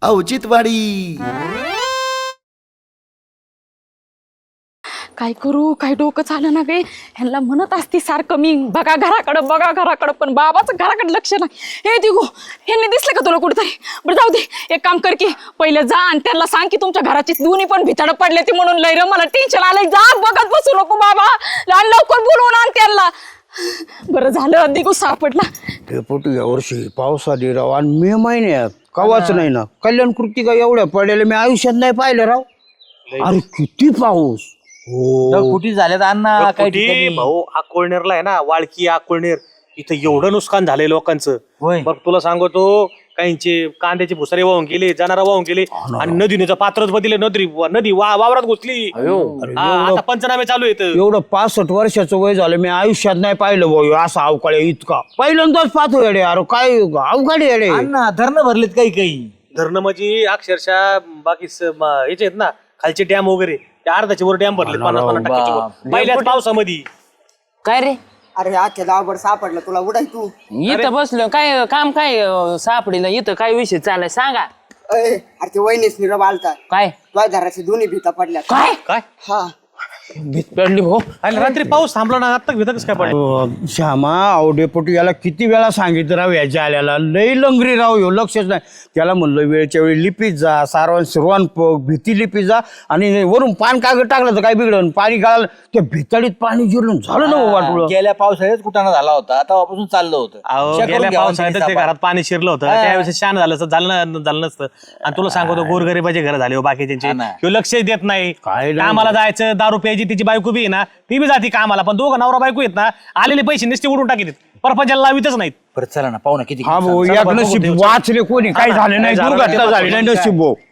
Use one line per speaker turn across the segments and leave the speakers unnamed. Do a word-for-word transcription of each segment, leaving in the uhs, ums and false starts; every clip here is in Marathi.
औचित्यवाडी.
काय करू काय डोकं चालं ना गे. ह्यांना म्हणत असती सारखं मी बघा घराकडं बघा घराकडं, पण बाबाचं घराकडे लक्ष नाही. हे दिगो ह्यांनी दिसलं का तुला कुठेतरी? बरं जाऊ दे, एक काम कर की पहिले जा आणि त्यांना सांग की तुमच्या घराची दोन्ही पण भिताडं पडले ती म्हणून. लय रे मला टेन्शन आलंय. जा बघत बसू नको बाबा, आणि लवकर बोलवून आण त्यांना. बरं झालं दिगो सापडला.
डेपुटी यावर्षी पावसाळी राव आणि मे महिन्यात कवाच नाही ना. कल्याण कृती का एवढ्या पडलेल्या मी आयुष्यात नाही पाहिलं राव. अरे किती पाऊस.
हो कुठे झाल्यात अण्णा काही ठिकाणी.
भाऊ अकोळनेरला आहे ना, वाळकी अकोळनेर, इथं एवढं नुकसान झालंय लोकांचं.
होय.
बघ तुला सांगतो, काहींचे कांद्याचे भुसारे वाहून गेले, जनारा वाहून गेले, आणि नदीने पात्रच बदलले. नदी नदी वा वावरात घुसली. हा, आता पंचनामे चालू आहेत.
एवढं पासष्ट वर्षाचं वय झालं मी आयुष्यात नाही पाहिलं भाऊ असा अवकाळी इतका. पहिल्यांदाच पाहतो येडे. अरे काय अवकाळी येडे.
अण्णा धरणं भरलेत काही काही.
धरणं म्हणजे अक्षरशः बाकी स- म- याचे आहेत ना खालचे डॅम वगैरे, त्या अर्धाचे वर डॅम भरले पन्नास पन्नास टक्क्याचे वर. पहिल्याच पावसामध्ये.
काय रे
अरे आजच्या गावभर सापडलं तुला, उडाय तू.
इथं बसलो काय काम काय अं, सापडीला इथं काय विषय चालाय सांगा.
अरे अरे ते वहिनीच निरब आलता,
काय
तुझ्या घराची दोन्ही भीता पडल्या.
काय
काय
हा
भीत पडली भाऊ.
आणि रात्री पाऊस थांबला ना, आता भेटच काय पडलं.
अं, श्यामा अहो डेपुटी याला किती वेळा सांगितलं राव याच्या आल्याला. लई लंगरी राव ह्यो, लक्षच नाही. त्याला म्हणलं वेळच्या वेळी लिपीत जा, सारवण शिरवण पग भीती लिपीत जा, आणि वरून पान कागद टाकलं तर काय बिघडलं. पाणी गाळलं त्या भिताडीत पाणी जिरलं झालं ना वाटलं.
गेल्या पावसाळ्यात कुठाना झाला होता, तेव्हापासून चाललं होतं.
अहो,
चेक करून
गेल्या
घ्यावं
पावसाळ्यात
त्यांनी
ते
सापा.
घरात पाणी शिरलं होतं, त्यावेळेस शान झालं असतं, झालं न- झालं नसतं. आणि तुला सांगतो गोरगरीबाचे घर झाले हो बाकीचे,
हा ना.
ह्यो लक्ष देत नाही.
काय नाही.
कामाला जायचं, दारू प्यायची, तिची बायको बी आहे ना, ती बी जाती कामाला, पण दोघं नवरा बायको येत ना, आलेले पैसे नुसते उडून टाकीत, परपंचाला लावितच नाहीत.
बरं चला ना पाहू ना किती.
हा भाऊ
चला
एक
बरं,
नशीब
बघू,
वाचले कोणी. काय
हा,
झालं नाही,
काय झालं
दुर्घटना
नाही,
झाली नाही
काय.
नशीब भाऊ.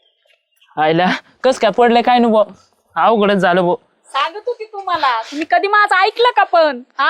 आयला कस काय पडलं काय नु भाऊ. अवघडच झालं भाऊ.
सांगत होती तुम्हाला, तुम्ही कधी माझं ऐकलं का? पण हा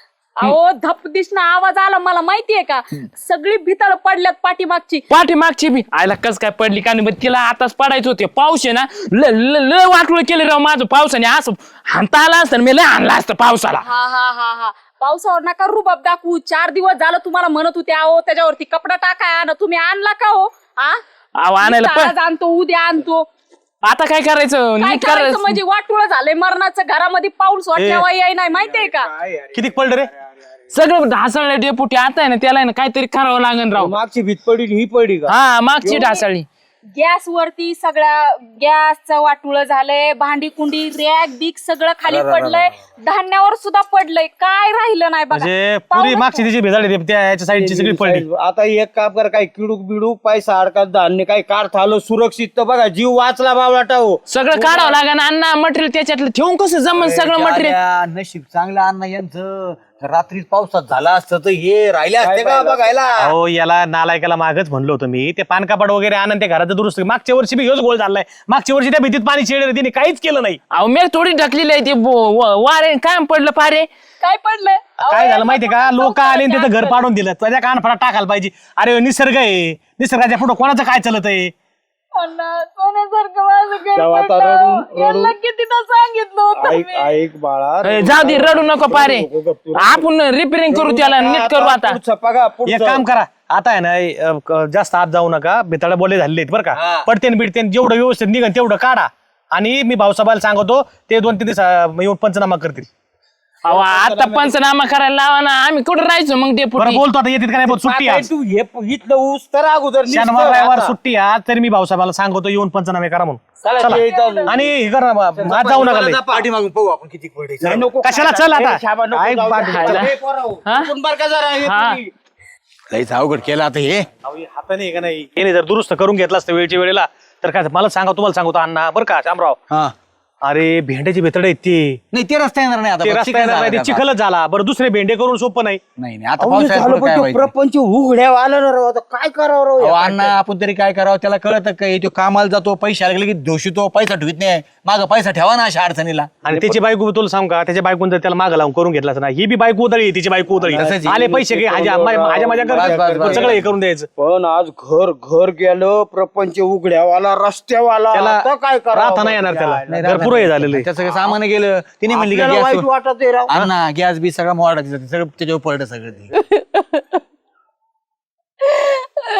अहो धप दिसणं आवाज आला, मला माहितीये का? सगळी भिताड पडल्यात पाठीमागची.
पाठीमागची बी आयला कस काय पडली काय नाही. तिला आताच पडायचं होते. पाऊस आहे ना, ल- ल- लय वाटलं केलं राव माझं पावसाने. असं हाणता आला असतं मी लय आणला असतं पावसाला.
हा हा हा हा पावसावर नका रुबाब दाखवू. चार दिवस झालं तुम्हाला म्हणत होते अहो त्याच्यावरती कपडा टाकाय ना, तुम्ही आणला का हो? हा
अहो, आणायला
नुसतं
पण-
आज आणतो उद्या आणतो.
आता काय करायचं
काय
नीट
करायचं
करायचं
म्हणजे वाटुळ झालंय मरणाचं. घरामध्ये पाऊस वाटल्यावर याय नाही, माहितीये का?
किती पडलं रे?
सगळं ढासळलं डेपुटी. आता आहे ना त्याला आहे ना काहीतरी करावं लागेल राव.
मागची भीत पडली ही पडली का?
हा मागची ढासळली.
गॅस वरती सगळ्या गॅसचं वाटुळ झालंय, भांडी कुंडी रॅक बिक सगळं खाली पडलंय, धान्यावर सुद्धा पडलंय, काय राहिलं नाही बघा.
म्हणजे पुरी मागची तिची भेजाळी त्या याच्या साईडची सगळी पडली.
आता एक काम कर, काही किडूक बिडूक पैसा अडकात धान्य काही काढता आलं सुरक्षित तर बघा जीव वाचला बावळाटा हो.
सगळं काढावं लागेल अण्णा. मटेरियल त्याच्यातलं ठेवून कसं जमन सगळं मटेरियल.
जाल्या, नशीब चांगलं अण्णा यांचं. रात्री पावसात झाला असतं तर हे राहिले असते का बघायला.
अहो याला नालायकाला मागच म्हणलं होतं मी, ते पान कपाट वगैरे आणून ते घराचं दुरुस्त. मागच्या वर्षी बी ह्योच गोळ झालाय. मागच्या वर्षी त्या भीतीत पाणी शिरलं, तिने काहीच केलं नाही.
अहो मी थोडी ढकलेली आहे ते बो- व- वारे काय पडलं पारे.
काय पडलंय?
काय झालं माहितीये का, लोक आले आणि त्याचं घर पाडून दिलं. त्याच्या कानफडात टाकायला पाहिजे. अरे निसर्ग आहे, निसर्गाच्या पुढे कोणाचं काय चालत आहे?
अण्णा, सोन्यासारखं माझं घर
तेव्हा आता
पडलं.
रडून-
यांना कितीदा सांगितलं होतं
ऐक
मी.
ऐक बाळा,
ए, जाऊ दे रडू नको पारे. आपण रिपेअरिंग करू त्याला, नीट करू आता.
पुढचं बघा, पुढचं.
एक काम करा, आता आहे ना अ, क- जास्त आत जाऊ नका. बेताळा बोले झालेले आहेत बरं का. पडतेन बिडतेन जेवढं व्यवस्थित निघन तेवढं काढा. आणि मी भाऊसाहेबाला सांगतो, ते दोन तीन दिवस अ, येऊन पंचनामा करतील.
अहो आता पंचनामा करायला लावा ना. आम्ही कुठं राहायचो मग
बरं
डेपुटी.
बोलतो आता, येतात का नाही बोल, सुट्टी
काय
आज.
तू हे इथलं ऊस तर अगोदर निघतं
शनिवार रविवार
आता.
सुट्टी आज, तरी मी भाऊसाहेबाला सांगतो येऊन पंचनामे करा म्हणून.
चला, ते इथं-
आणि हे करा, आज जाऊ नका लय.
पाठीमागून पाहू आपण किती पडले.
नाही, नको.
कशाला चल आता.
हे शाबा नको
काय
जाऊ
पाठ-
दे.
खायला.
हे पोरांनो,
हा?
उठून बरं का जरा, हे
हा.
पुरी.
लईच अवघड केलं आता हे.
अहो, हे हाताने आहे का नाही, याने जर दुरुस्त करून घेतला असतं वेळच्या वेळेला तर काय मला सांगा, तुम्हाला सांगतो अण्णा बरं का शामराव.
हा
अरे भेंड्याची भेतडे आहेत ते.
नाही ते रस्ता येणार नाही आता.
ते
बघ,
रस्ता
चिखल
येणार नाही, ते
झाला आता.
चिखलच झाला. बरं दुसरे भेंडे करून सोपं नाही.
नाही नाही आता
अहो, हे
पावसाळ्यात
झालं
पुढं
पण
काय
तो
व्हायचं?
प्रपंच उघड्या आलं ना राव. आता काय करावं राव
अहो,
या
अण्णा आपण तरी काय करावं, त्याला कळत काय तो कामाला जातो, पैसे आले की दोषी, पैसा ठेवत नाही. माग पैसा ठेवा ना अशा अडचणीला.
आणि त्याची बायको तुला सांग का, त्याच्या बायकोन जर त्याला मागं लावून करून घेतलाच ना, ही बी बायको उदळी, तिची बायको उदळी.
तसंच आहे.
आले पैसे घे, हाजा माझ्या माझ्या
बस, बस,
कर
बस.
सगळं हे करून द्यायचं.
पण आज घर घर गेलं, प्रपंच उघड्यावाला रस्त्यावाला.
त्याला
आता काय करावं?
राहता नाही येणार त्याला.
नाही,
घर पुरं हे झालेलं आहे.
त्याचं काही सामान गेलं, तिने म्हणली
आपल्याला वाईट
गॅस
वाटत आहे राव.
अण्णा गॅस बी सगळं मोडा, सगळं त्याच्यावर पडलं सगळं ते.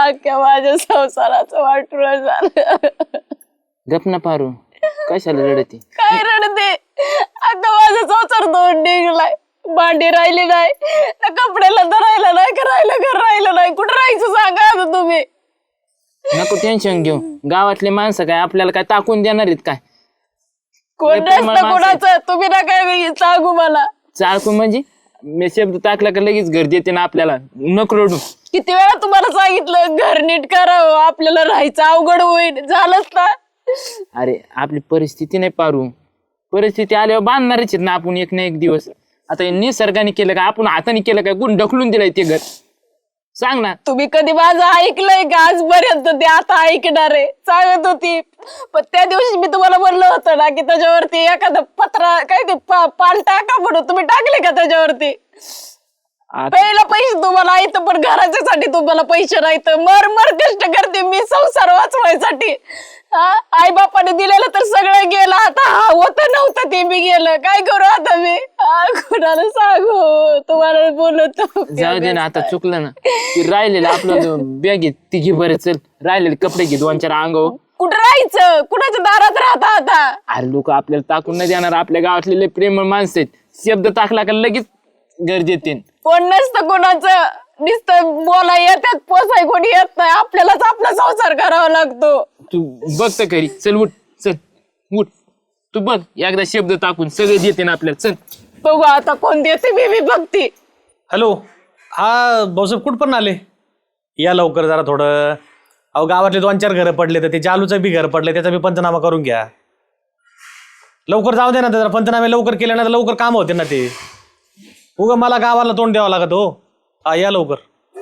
अख्ख्या माझ्या संसाराचं वाटुळं झालं.
गप ना पारू, कशाला रडती?
काय रडते, अगं माझा संसार दोन निघलाय. भांडी राहिली नाही, ना कपड्याला धरायला नाही, का राहिलं घर राहिलं नाही. कुठं राहायचं सांगा आता तुम्ही.
नको टेन्शन घेऊ, गावातले माणसं काय आपल्याला काय टाकून देणार आहेत काय?
कोण
लय प्रेमळ
नसतं
माणसं आहेत.
कोणाचं, तुम्ही ना काय सांगू मला.
चालकू म्हणजे मी शब्द टाकला का लगेच घर देते ना आपल्याला. नको रडू.
किती वेळा तुम्हाला सांगितलं घर नीट करावं, आपल्याला राहायचं अवघड होईल, झालंच ना.
अरे आपली परिस्थिती नाही पारू, परिस्थिती आल्यावर बांधणारच आहेत ना आपण एक ना एक दिवस. आता हे निसर्गाने केलं का, आपण हाताने केलं काय, कोण ढकलून दिलंय ते घर? सांग ना.
तुम्ही कधी माझं ऐकलंय का आजपर्यंत? ते आता ऐकणार आहे सांगत होती. पण त्या दिवशी मी तुम्हाला म्हणलं होतं ना की त्याच्यावरती एखादं पत्रा काय ते पा- पान टाका म्हणून, तुम्ही टाकले का त्याच्यावरती?
आता
पहिला पैसे तुम्हाला येतं, पण घराच्यासाठी तुम्हाला पैसे नाहीत. मर मर कष्ट करते मी संसार वाचवायसाठी. आई बापाने दिलेलं तर सगळं गेलं, आता हा होतं नव्हतं ते बी गेलं. काय करू आता मी? हा, कुणाला सांगू? तुम्हाला बोलतो.
जाऊ दे ना, आता चुकलं ना. ते राहिलेलं आपलं बॅग ती घे बरं, चल राहिलेले कपडे घे दोन चार अंगावर.
कुठं राहायचं? कुणाच्या दारात राहता आता?
अरे लोक आपल्याला टाकून नाही देणार, आपल्या गावातले लय प्रेमळ माणसं आहेत. शब्द टाकला का लगेच घर देते.
कोण नसतं कोणाचं, नुसतं बोला येतात, पोसाय कोणी येत नाही. आपल्यालाच आपला संसार करावा लागतो.
तू बघ तर खरी, चल उठ, चल उठ. तू बघ एकदा शब्द टाकून सगळे देते ना आपल्याला. चल
बघू आता कोण देते, मी बी बघते.
हॅलो, हा भाऊसाहेब कुठपर्यंत आले? या लवकर जरा थोडं. अहो गावातले दोन चार घरं पडले, तर ते जालूचं बी घर पडले, त्याचा बी पंचनामा करून घ्या. लवकर जाऊ दे ना, जरा पंचनामे लवकर केले ना तर लवकर काम होते ना ते. उगा मला गावाला तोंड द्यावं लागत हो. हा या लवकर.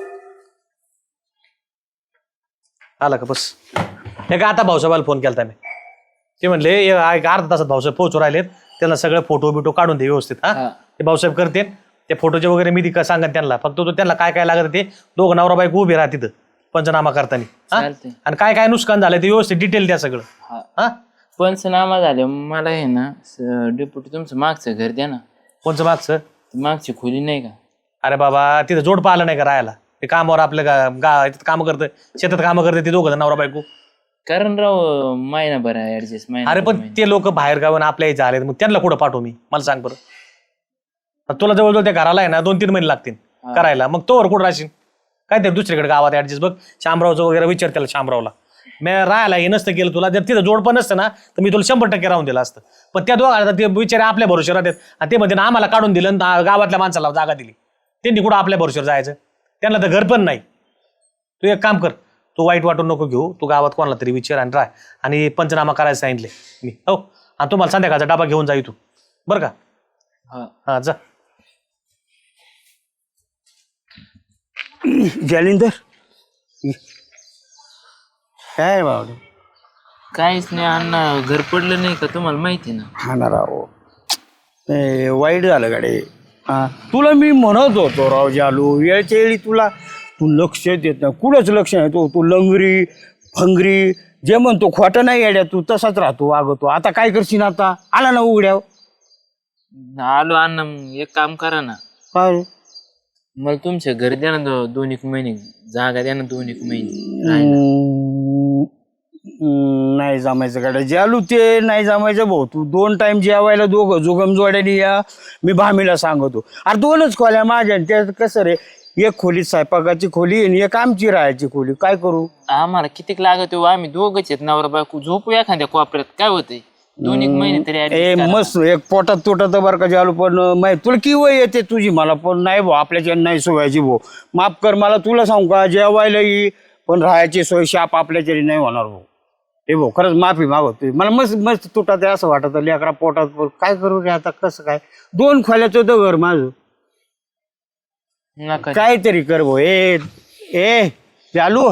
आला का? बस हे का आता भाऊसाहेबाला फोन केला मी. ते म्हणले "ये, आ- एक अर्धा तासात भाऊसाहेब पोहोचू राहिलेत, त्यांना सगळं फोटो बिटो काढून दे व्यवस्थित. हा ते भाऊसाहेब करते ते फोटोचे वगैरे मी ती सांगत त्यांना. फक्त तो त्यांना काय काय लागत ते दोघं नवरा बायको उभे राहा तिथं पंचनामा करताना. हा?
चालतंय.
आणि काय काय नुकसान झालं ते व्यवस्थित डिटेल द्या सगळं. हा
पंचनामा झाले मला हे ना डेप्युटी तुमचं मागचं घर द्या ना.
कोणचं मागचं?
ती मागची खोली नाही का?
अरे बाबा तिथं जोड पाहिलं नाही का राहायला? ते कामावर आपल्या गा गा कामं करतं, शेतात कामं करते ते दोघं नवरा बायको.
कारण राव महिनाभर आहे ऍडजस्ट महिना.
अरे पण ते लोक बाहेर गावून आपल्या इथे आले, मग त्यांना कुठं पाठवू मी? मला सांग बरं. आता तुला जवळजवळ त्या घराला आहे ना दोन तीन महिने लागतील करायला, मग तोवर कुठं राहशील? काय ते दुसरीकडे गावात ऍडजस्ट बघ. शामरावचं वगैरे विचार त्याला शामरावला. मी राहायला हे नसतं केलं तुला, जर तिथं जोड पण नसतं ना तर मी तुला शंभर टक्के राहून दिलं असतं. पण त्या दोघांना ते बिचारे आपल्या भरोश्यावर राहतात आणि ते म्हणते ना आम्हाला काढून दिलं आणि गावातल्या माणसाला जागा दिली. त्यांनी कुठं आपल्या भरोश्यावर जायचं? त्यांना तर घर पण नाही. तू एक काम कर, तू वाईट वाटून नको घेऊ, तू गावात कोणाला तरी विचार आणि राह. आणि पंचनामा करायला सांगितले मी. हो, आणि तुम्हाला संध्याकाळचा डबा घेऊन जा इथून, बरं का? हा जा.
जालिंदर काय बाबा?
काहीच नाही अण्णा, घर पडलं नाही का तुम्हाला माहिती ना?
हा ना राव, ए, वाईट झालं गाडे. हा तुला मी म्हणत होतो राव जालू, वेळच्या वेळी तुला तू लक्ष देत नाही, कुठंच लक्ष नाही. तू तू लंगरी फंगरी जे म्हणतो खोटं नाही येड्या, तू तसाच राहतो वागतो. आता काय करशील? आता आला ना उघड्याव.
आलो अण्णा, मग एक काम करा ना,
काय
मला तुमच्या घर द्या ना दो- दोन एक महिने जागा द्या ना, दोन एक महिने राहायला.
हम्म, हम्म, नाही जमायचं गाड्या जालू, ते नाही जमायचं भाऊ. तू दोन टाइम जेवायला दोघं जुगम जोड्याने या, मी भामीला सांगतो. अरे दोनच खोल्या माझ्या, त्यात कसं रे, एक खोली स्वयंपाकाची खोली आणि एक आमची राहायची खोली. काय करू?
आम्हाला कितीक लागत हो, आम्ही दोघच आहेत नवरा बायको, झोपू एखाद्या कोपऱ्यात, काय होतंय? दोन एक महिने तरी
ए
adjust करा.
मस्त एक पोटात तुटत बरं का जालू. पण माहिती तुला की वय येते तुझी, मला पण नाही भाऊ, आपल्याच्या नाही सोयाची भाऊ. माफ कर मला, तुला सांगू का, जेवायला ये पण राहायची सोय शाप आपल्याच्यारी नाही होणार भाऊ. हे भाऊ खरंच माफी मागवतो, मला मस्त मस्त तुटत असं वाटत लेकरा पोटात. पण काय करू रे आता, कसं काय? दोन खोल्याचं होतं घर माझं.
नका
काहीतरी कर भाऊ. ए ए चालू,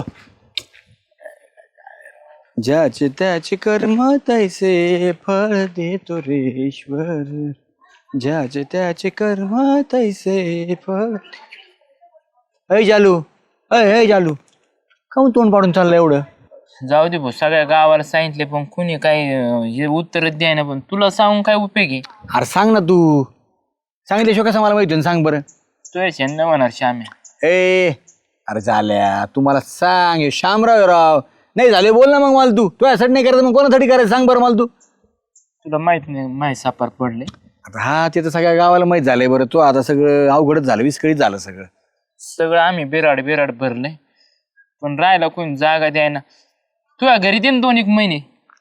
ज्याचे त्याचे कर्म तैसे फळ देतो रे ईश्वर, ज्याचे त्याचे कर्म तैसे फळ. अय जालू, अय अय जालू, काहून तोंड पाडून चाललं एवढं?
जाऊ दे भाऊ, सगळ्या गावाला सांगितले पण कुणी काही अं, हे उत्तर द्याय ना. पण तुला सांगून काय उपयोग आहे?
अरे सांग ना तू, सांगितल्याशिवाय कसं मला माहिती सांग बरं.
तुझ्या न होणार श्याम्या.
ए अरे झाल्या तुम्हाला सांग हे शामराव राव नाही झाले बोल ना मग मला तू तू यासाठी नाही करायचं मग कोणासाठी करायचं सांग बरं मला तू
तुला माहित नाही माहित सापार पडले
आता हा ते तर सगळ्या गावाला माहित झालंय बरं तू आता सगळं अवघडच झालं विस्कळीत झालं सगळं
सगळं आम्ही बिराड बिराड भरलंय पण राहायला कोणी जागा द्यायना तुझ्या घरी दे ना दोन एक महिने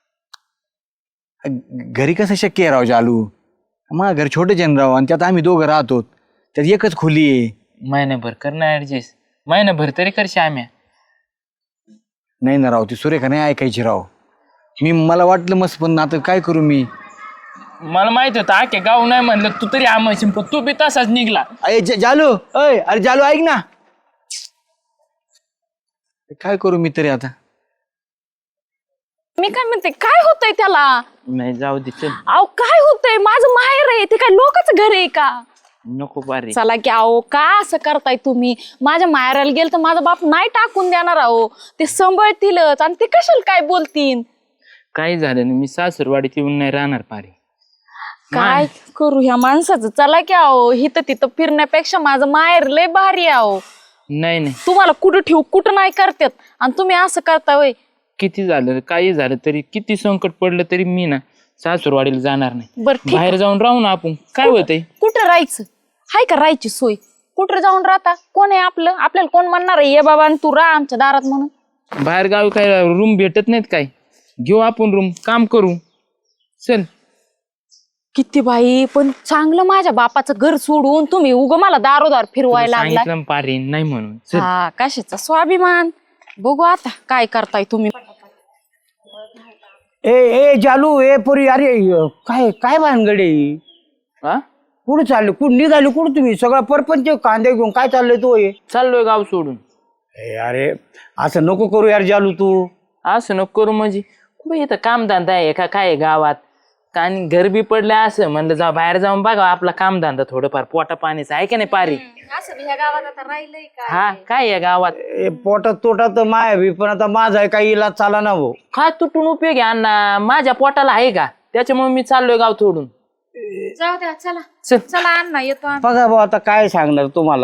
घरी कसं शक्य आहे राव चालू मग घर छोटे जन राव आणि त्यात आम्ही दोघं राहतो त्यात एकच खोली आहे
महिनाभर कर ना ऍडजस्ट महिनाभर तरी करशी आम्ही
नाही ना राव ती सुरेखा नाही ऐकायची राव मी मला वाटलं मस्त पण आता काय करू मी
मला माहित होतं आखे गाव नाही म्हणलं तू तरी आम्ही पण तू बी तसाच निघला
अरे ज- जालू अय अरे जालू ऐक ना काय करू मी तरी आता
मी काय म्हणते काय होतंय त्याला
नाही जाऊ दे चल
अहो काय होतंय माझं माहेर आहे ते काय लोकच घर आहे का
नको पारे
चला की अहो का असं करताय तुम्ही माझ्या माहेराला गेल तर माझा बाप नाही टाकून देणार अहो ते सांभाळतीलच आणि ते कशाला काय बोलतील
काही झालं नाही मी सासरवाडीत येऊन नाही राहणार पारे
काय करू ह्या माणसाचं चला की अहो हिथं तिथं फिरण्यापेक्षा माझं माहेर लय भारी आहे अहो
नाही नाही
तुम्हाला कुठं ठेवू कुठं नाही करतात आणि तुम्ही असं करता वय
किती झालं काही झालं तरी किती संकट पडलं तरी मी ना सासरवाडीला जाणार नाही
बरं ठीक
बाहेर जाऊन राहू ना आपण काय होतंय
कुठं राहायचं हाय का राहायची सोय कुठं जाऊन राहता कोण आहे आपलं आपल्याला कोण म्हणणार आहे ये बाबा आणि तू राहा आमच्या दारात म्हणून
बाहेर गावी काय रूम भेटत नाहीत काय घेऊ आपण रूम काम करू चल
किती बाई पण चांगलं माझ्या बापाचं घर सोडून तुम्ही उग मला दारोदार फिरवायला लागला
सांगितलं ना पारे नाही म्हणून चल
हा कशाचा स्वाभिमान बघू आता काय करताय तुम्ही
ए ए जालू ए पोरी अरे काय काय भानगडे
हा
कुठं चालले कुठं निघाले कुठं तुम्ही सगळा परपंच कांदे घेऊन काय चाललंय तू हे
चाललोय गाव सोडून
ए, अरे असं नको करू यार जालू तू
असं नको करू म्हणजे कुठे इथं कामधंदा आहे का काय आहे गावात का आणि घर बी पडलं असं म्हणलं जा बाहेर जाऊन बघा आपला कामधंदा थोडंफार पोटा पाणीचं आहे का नाही पारी हा काय आहे गावात
ए, पोटात तोटात तर माय बी पण आता माझा आहे काही इलाज चाला ना भाऊ
काय तुटून उपयोग आहे अण्णा माझ्या पोटाला आहे का त्याच्यामुळे मी चाललोय गाव सोडून
जाऊ द्या चला
चल
चला अण्णा येतो आम्ही.
बघा भाऊ आता काय सांगणार तुम्हाला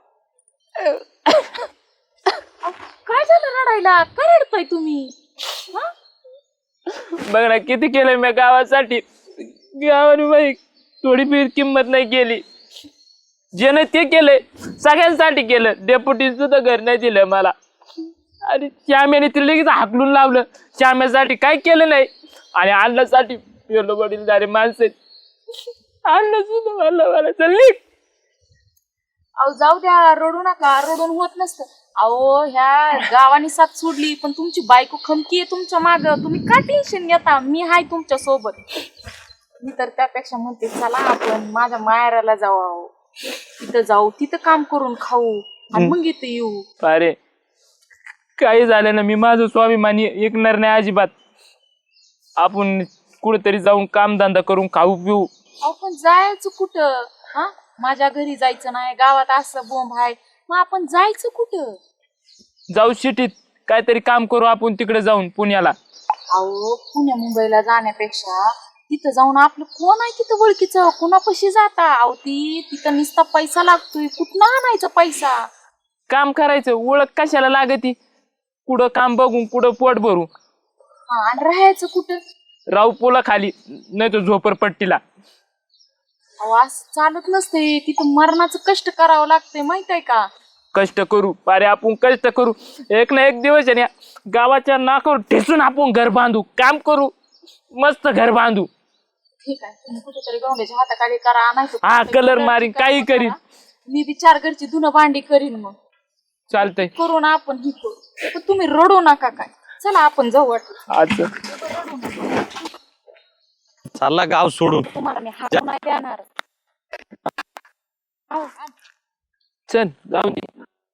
काय झालं रडायला काय रडताय तुम्ही हा?
बघ ना किती केलंय मी गावासाठी गावाने बाई थोडी बी किंमत नाही केली जे नाही ते केलंय सगळ्यांसाठी केलं डेप्युटी सुद्धा घर नाही दिलं मला आणि श्याम्याने तिला लगेच हाकलून लावलं श्याम्यासाठी काय केलं नाही आणि अन्नासाठी पेलो वडील झाले माणसं अन्न सुद्धा मला मला चालली
अहो जाऊ द्या रडू नका रडून होत नसतं अहो ह्या गावाने साथ सोडली पण तुमची बायको खमकी आहे तुमच्या माग तुम्ही का टेन्शन घेता मी हाय तुमच्या सोबत मी तर त्यापेक्षा म्हणते चला आपण माझ्या माहेराला जाऊ अहो तिथं जाऊ तिथं काम करून खाऊ आणि मग इथं येऊ
अरे काही झालं ना मी माझं स्वाभिमानी ऐकणार नाही अजिबात आपण कुठेतरी जाऊन कामधंदा करून खाऊ पिऊ
अहो पण जायचं कुठं हा माझ्या घरी जायचं नाही गावात असं बोंब आहे मग आपण जायचं कुठं
जाऊ सिटीत काहीतरी काम करू आपण तिकडे जाऊन पुण्याला
अहो पुण्या मुंबईला जाण्यापेक्षा तिथं जाऊन आपलं कोण आहे तिथं ओळखीचं कोणापाशी जाता अहो ती तिथं नुसता पैसा लागतोय कुठं आणायचा पैसा
काम करायचं ओळख कशाला लागती कुठं काम बघून कुठं पोट भरू
हा आणि राहायचं कुठं
राहू पोला खाली नाही तर झोपडपट्टीला
अहो असं चालत नसते तिथं मरणाचं कष्ट करावं लागतंय माहित आहे का
कष्ट करू अरे आपण कष्ट करू एक ना एक दिवस आहे ना गावाच्या नाकावर ठेचून आपण घर बांधू काम करू मस्त घर बांधू
ठीक आहे तुम्ही कुठेतरी गवंड्याच्या हाताखाली करा आणायचं
हा कलर मारीन काही करीन
मी विचार घरची धुणं भांडी करीन मग
चालतंय
करू ना आपण ही करू पण तुम्ही रडू नका काय चला आपण जाऊ वाटलं
आज
चालला गाव सोडून
तुम्हाला मी हात नाही देणार अहो,
चल जाऊ दे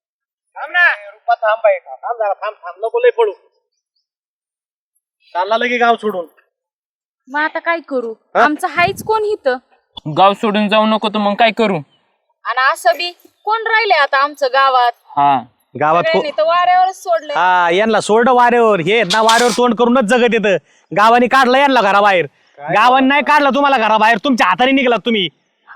चालला लगे गाव सोडून
मग आता काय करू आमचं हायच कोण इथं
गाव सोडून जाऊ नको तर मग काय करू
आणि असं बी कोण राहिले आता आमचं गावात
हा
गावात को-
सगळ्यांनी तर वाऱ्यावरच सोडलंय
हा यांना सोडलं वाऱ्यावर हे ना वाऱ्यावर तोंड करूनच जगत येतं गावाने काढलं यांना घराबाहेर गावाने नाही काढलं तुम्हाला घराबाहेर तुमच्या हाताने निघलात तुम्ही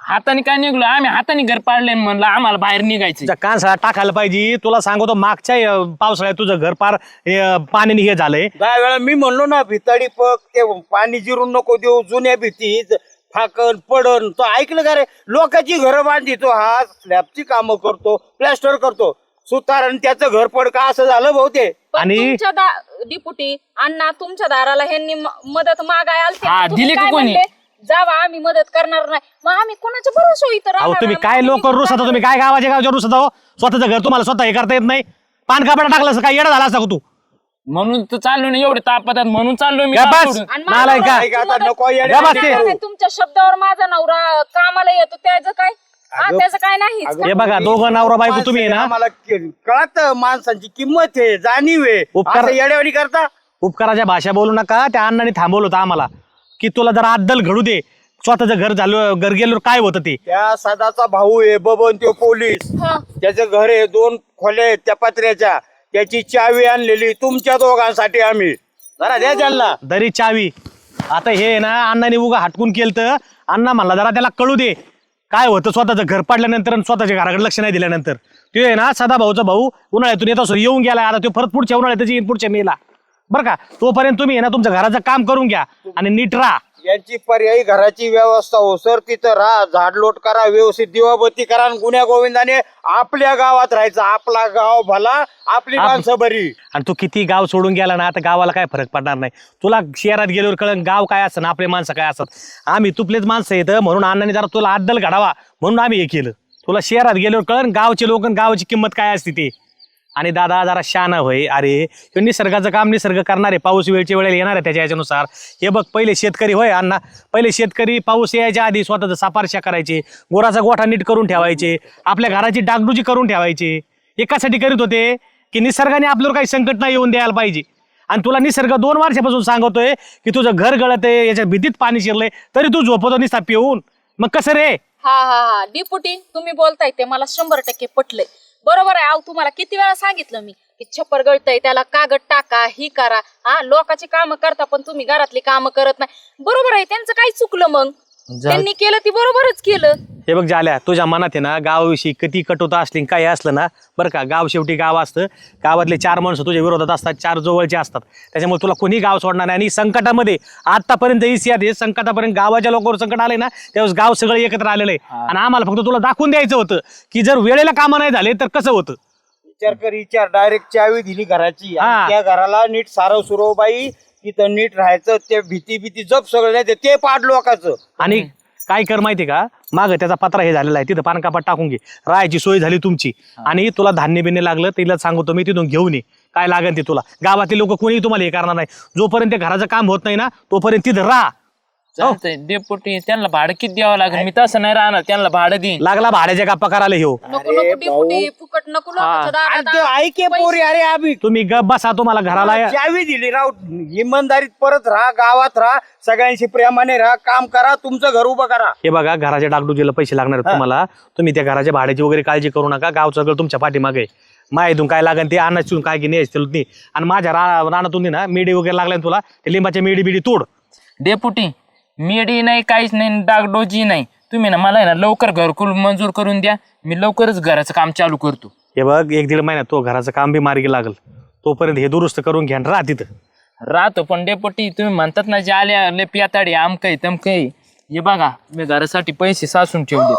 हाताने काय निघलो आम्ही हाताने घर पाडले म्हणलं आम्हाला बाहेर निघायचं
तुझ्या कानसाळा टाकायला पाहिजे. तुला सांगतो मागच्या अं, पावसाळ्यात तुझं घर पार अं, पाण्याने हे झालंय.
दहा वेळा मी म्हणलो ना भिताडी पक ते पाणी जिरून नको देऊ जुन्या भीतीत फाकन पडन तो ऐकलं का रे. लोकांची घरं बांधितो हा स्लॅबची कामं करतो प्लॅस्टर करतो सुतार आणि त्याचं घर पड का असं झालं भाऊ ते.
पण
आणि-
तुमच्या दा- डिपुटी अण्णा तुमच्या दाराला ह्यांनी म- मदत मागाय आलते
हा,
तुम्ही
दिली का
काय
कोणी?
म्हणले? जावा आम्ही मदत करणार नाही मग आम्ही कोणाच्या भरोसा इथं
अहो
राहणार
तुम्ही
नाही.
काय
मग
लोक
आम्ही
रुसता तुम्ही काय गावाच्या गावच्या रुसता हो. स्वतःचं घर तुम्हाला स्वतः हे करता येत नाही. पान कापडा टाकलं असं काय येडा झाला असता का तू.
म्हणून तर चाललो ना एवढे तापतात म्हणून चाललोय मी
गप्प
गाव
बस.
सोडून.
आणि माझा
नालायक का?
नवरा
ऐक आता
मदत-
नको येडे
या बस ते.
नाही, नाही, तुमच्या शब्दावर माझा नवरा कामाला येतो त्याचं काय हा त्याचं काय नाही
हे बघा दोघं नवरा बायको तुम्ही आहे ना
मला कळत माणसांची किंमत आहे जाणीव आहे
उपकार-
असं येड्यावानी करता.
उपकाराच्या भाषा बोलू नका. त्या अण्णाने थांबवलं होतं आम्हाला की तुला जरा अद्दल घडू दे. स्वतःचं घर झालं घर गेल्यावर काय होतं ते.
त्या सदाचा भाऊ आहे बबन तो पोलीस
हा.
त्याचं घर आहे दोन खोले आहेत त्या पत्र्याच्या त्याची चावी आणलेली तुमच्या दोघांसाठी आम्ही जरा द्या त्यांना.
दरी चावी. आता हे ना अण्णाने उगा हटकून केलं तर अण्णा म्हणला जरा त्याला कळू दे काय होतं स्वतःचं घर पडल्यानंतर आणि स्वतःच्या घराकडे लक्ष नाही दिल्यानंतर. तो आहे ना सदा भाऊचा भाऊ उन्हाळ्यातून येत असो येऊन गेला आता तो परत पुढच्या उन्हाळ्यात येईन पुढच्या मेला बरं का. तोपर्यंत तुम्ही आहे ना तुमच्या घराचं काम करून घ्या आणि नीट राहा.
यांची पर्यायी घराची व्यवस्था हो सर तिथं राहा झाडलोट करा व्यवस्थित दिवाबत्ती करा आणि गुन्ह्या गोविंदाने आपल्या गावात राहायचं. आपला गाव भला आपली
आप-
माणसं बरी.
आणि तू किती गाव सोडून गेला ना आता गावाला काय फरक पडणार नाही. तुला शहरात गेल्यावर कळण गाव काय असतं ना आपले माणसं काय असतात. आम्ही तुपलेच माणसं येतं म्हणून अण्णाने जरा तुला अद्दल घडावा म्हणून आम्ही हे केलं. तुला शहरात गेल्यावर कळण गावचे लोक आणि गावाची किंमत काय असते ते. आणि दादा जरा शाना होय. अरे ह्यो निसर्गाचं काम निसर्ग करणार आहे. पाऊस वेळच्या वेळेला येणार आहे त्याच्या याच्यानुसार. हे बघ पहिले शेतकरी होय अण्णा पहिले शेतकरी पाऊस यायच्या आधी स्वतःचं सापारशा करायचे गोराचा गोठा नीट करून ठेवायचे आपल्या घराची डागडुजी करून ठेवायचे. एकासाठी करीत होते की निसर्गाने आपल्यावर काही संकट नाही येऊन द्यायला पाहिजे. आणि तुला निसर्ग दोन वर्षापासून सांगतोय की तुझं घर गळत आहे याच्या भीतीत पाणी शिरलंय तरी तू झोपतो निसता पिऊन. मग कसं रे.
हा हा हा डिपुटी तुम्ही बोलताय ते मला शंभर टक्के पटलंय बरोबर आहे. अहो तुम्हाला किती वेळा सांगितलं मी की छप्पर गळतय त्याला कागद टाका ही करा हा लोकांची कामं करता पण तुम्ही घरातली कामं करत नाही. बरोबर आहे त्यांचं काय चुकलं मग त्यांनी केलं ती बरोबरच केलं.
हे बघ झाल्या तुझ्या मनात आहे ना गावाविषयी किती कटुता असली काय असलं ना बरं का गाव शेवटी गाव असतं. गावातले चार माणसं तुझ्या विरोधात असतात चार जवळचे असतात त्याच्यामुळे तुला कोणी गाव सोडणार नाही. आणि संकटामध्ये आतापर्यंत इसियात आहे संकटापर्यंत गावाच्या लोकांवर संकट आलंय ना त्यावेळेस गाव सगळं एकत्र आलेलं आहे. आणि आम्हाला फक्त तुला दाखवून द्यायचं होतं की जर वेळेला कामं नाही झाले तर कसं होतं.
विचार कर विचार डायरेक्ट चावी दिली घराची आणि
हा.
त्या घराला नीट सारव सुरव बाई तिथं नीट राहायचं. ते भीती भीती जप सगळं नाही ते पाड लोकांचं.
आणि काय कर माहिती का माग त्याचा पत्रा हे झालेला आहे तिथं पानकापात टाकून घे. राहायची सोय झाली तुमची. आणि तुला धान्य बिन्य लागलं तिला सांगतो मी तिथून घेऊन ये काय लागेल ते तुला. गावातले लोक कोणी तुम्हाला हे करणार नाही. जोपर्यंत घराचं काम होत नाही ना तोपर्यंत तिथं राहा.
चालतंय डेपुटी त्यांना भाडं किती द्यावं लागेल मी तसं नाही राहणार त्यांना भाडं देईन.
लागला भाड्याच्या गप्पा करायला ह्यो.
नको नको डिपुटी फुकट नको लोकांच्या
आणि
दारात
ते ऐके पोरी अरे आम्ही
तुम्ही गप बसा तुम्हाला घराला
चावी दिली राव इमानदारीत परत राहा गावात राहा सगळ्यांशी प्रेमाने राहा काम करा तुमचं घर उभं करा.
हे बघा घराच्या डागडुजीला पैसे लागणार आहेत तुम्हाला. तुम्ही त्या घराच्या भाड्याची वगैरे काळजी करू नका. गाव सगळं तुमच्या पाठीमागे माहितून काय लागेल ते अन्नातून काय की नाही. आणि माझ्या रा रानातून ना मेडी वगैरे लागल्या तुला ते लिंबाच्या मेडी बिडी तोड.
डेपुटी मेडी नाही काहीच नाही डागडोजी नाही तुम्ही ना मला आहे ना लवकर घरकुल मंजूर करून द्या मी लवकरच घराचं काम चालू करतो.
हे बघ एक दीड महिन्यात तो घराचं काम बी मार्गी लागल तोपर्यंत हे दुरुस्त करून घ्या राहा तिथं.
राहतो पण डेपुटी तुम्ही म्हणतात ना जे आले आले पियाताडी आमकय तमकय हे बघा मी घरासाठी पैसे साचून ठेवले.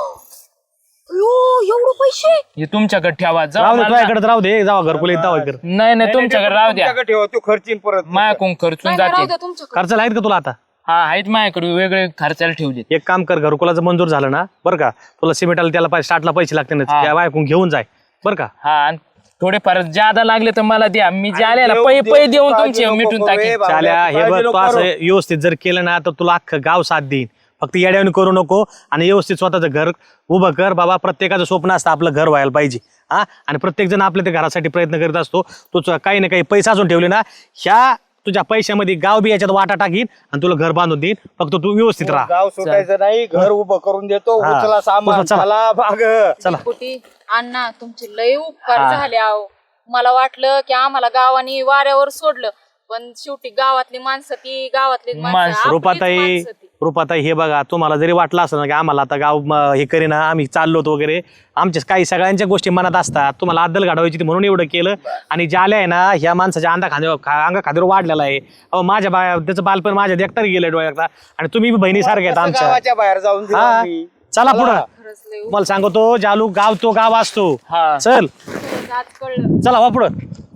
एवढं पैसे
हे तुमच्याकडे ठेवा
राहू
जाऊ
दे
मला-
तुझ्याकडे राहू दे जावा घरकुल येत जावा कर.
नाही नाही तुमच्याकडे राहू द्या
तुमच्याकडे ठेवा तू खर्चीन परत.
मायाकडून खर्चून
नाही, नाही, राहू
जाते.
द्या तुमच्याकडे.
खर्चाला आहेत का तुला आता.
हा आहेत माझ्याकडे वेगळे खर्चाला ठेवले.
एक काम कर घरकुलाचं मंजूर झालं ना बरं का तुला सिमेंटाला त्याला पाहिजे स्टार्टला पैसे लागते ना
हा.
त्या बायकून घेऊन जाय बरं का.
हा आणि थोडेफार ज्यादा लागले तर मला द्या मी जे आले ना
देव-
पै
देव
पै देऊन
काळजी
तुमचे
नको
मिटून
करू,
टाकेन.
ए बाबा,
चाल्या हे
काळजी
बघ
नको
तू असं
करू.
व्यवस्थित जर केलं ना तर तुला अख्खं गाव साथ देईन. फक्त येड्यावणी करू नको आणि व्यवस्थित स्वतःचं घर उभं कर. बाबा प्रत्येकाचं स्वप्न असतं आपलं घर व्हायला पाहिजे हा. आणि प्रत्येक जण आपल्या त्या घरासाठी प्रयत्न करीत असतो. तू काही ना काही पैसे अजून ठेवले ना ह्या तुझ्या पैशामध्ये गाव बी याच्यात वाटा टाकीन आणि तुला घर बांधून देईन. फक्त तू व्यवस्थित राहा.
गाव सुटायचं नाही घर उभं करून देतो.
हा.
उचला सामान
चला.
चला भाग.
चला
डिपुटी अण्णा तुमचे लय उपकार झाले आहो. मला वाटलं की आम्हाला गावाने वाऱ्यावर सोडलं पण शेवटी गावातली माणसं ती गावातली
माणसं.
माणसं आपलीच
रुपाताई
माणसं ती.
रुपाताई हे बघा तुम्हाला जरी वाटलं असलं ना की आम्हाला आता गाव म, हे करीना आम्ही चाललोत वगैरे आमच्या काही सगळ्यांच्या गोष्टी मनात असतात तुम्हाला अद्दल घडवायची होती म्हणून एवढं केलं आणि ज्याला आहे ना ह्या माणसाच्या अंगा खांद्यावर खा- अंगा खांद्यावर वाढलेला आहे अहो माझ्या बा त्याचं बालपण माझ्या देखतार गेलं डोळ्यात आणि तुम्ही बी बहिणीसारखे आहेत आमच्या
गावाच्या बाहेर जाऊन दिलं
हा
आम्ही.
चला पुढं मला सांगतो जालू गाव तो गाव असतो चल चला वा पुढं